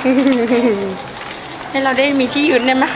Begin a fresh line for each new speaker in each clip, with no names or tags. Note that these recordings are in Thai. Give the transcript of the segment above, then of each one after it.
ให้เราได้มีที่ยืนได้ไหม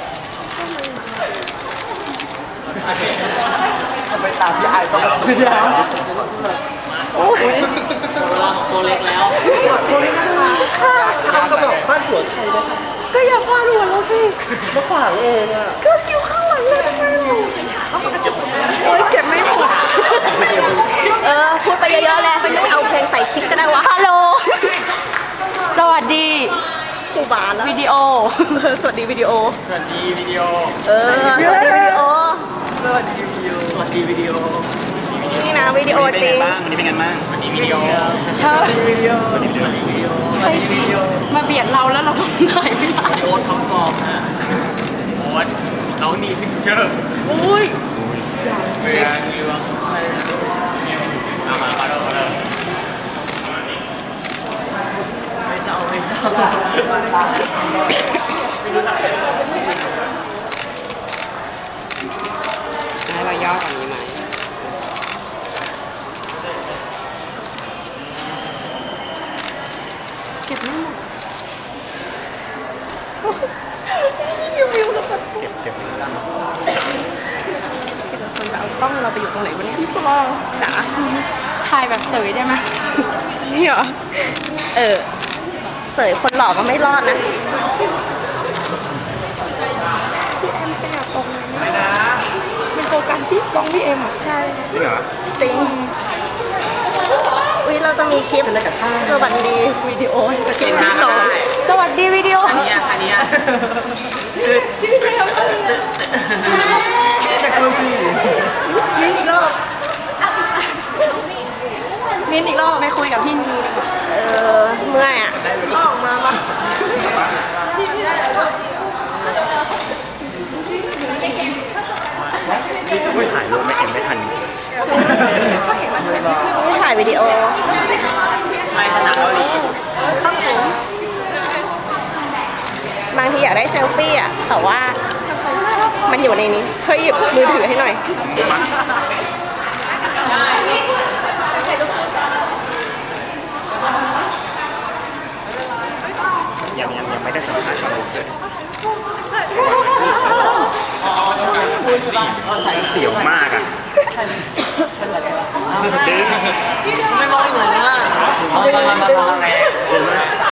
ไปตามพี่ไอ้ต้องขึ้นแล้ว
โอ้ย
ตัวเล็กแล้ว
ตัวนี้นะคะก็แบบฟาดหัวใครนะคะ
ก็อย่าฟาดหัวเราสิ
มาขวางเองอ่ะ
ก็อยู่ข้างหลังเลยทำไมโอ้ยเก็บไม่หมด
พูดไปเยอะๆแล้วเอาเพลงใส่คลิปก็ได้วะ
ฮัลโหลสวัสดี
กูบานแล้ว
วิดีโอ
สวัสดีวิดีโอ
สวัสดีวิดีโอ
สวัสดีวิดีโอ
สวัสดีวิดีโอสวัสดีวิดีโอ
นี่นะวิดีโอจริง
วันนี้เป็นไงบ้างวันนี้วิดีโอ
ใช่
วิดีโอ
ใช่สิมาเบียดเราแล้วเราต้องไหนไม่ได้
โอ๊ตท็อปฟอร์มนะโอ๊ตน้องดีพิกเจอร์
อุ้ย
เบียร์มีวังเอามาเลยไม่เศร้าให้เราย่อกว่านี้ไหม
เก็บไม่หมด
วิวแล้วแบบเก็บคนจะเอากล้องเราไปอยู่ตรงไหนวะเนี่ยพี่ปอจ๋า
ถ่ายแบบสวยได้ไหม
นี่เหรอเสยคนหล่อก็ไม่รอดนะ
พี่เอ็มไปหาตรงนั้นเป็นโฟกัสที่กล้องพี่เอ็มอ่ะ
ใช่
จริงเหรอ
จริงเราจะมีคลิปสวัสดีวิดีโอคลิปที่สอง
สวัสดีวิดีโอ
อันนี้
พี่เจมส์มินอีกรอบมินอีกรอบไม่คุยกับพี่นี
เมื่อยอ่ะออกมาปะ
ไม่ถ่ายรูปไม่เอ็มไม่ทัน
ไม่ถ่ายวิดีโอ
ไม่ถนัดเราอีก
บางทีอยากได้เซลฟี่อ่ะแต่ว่ามันอยู่ในนี้ช่วยหยิบมือถือให้หน่อย
ยังไม่ได้สัมภาษณ์เราเลยเสียวมากอ่ะไม่มองเหมือนนะมา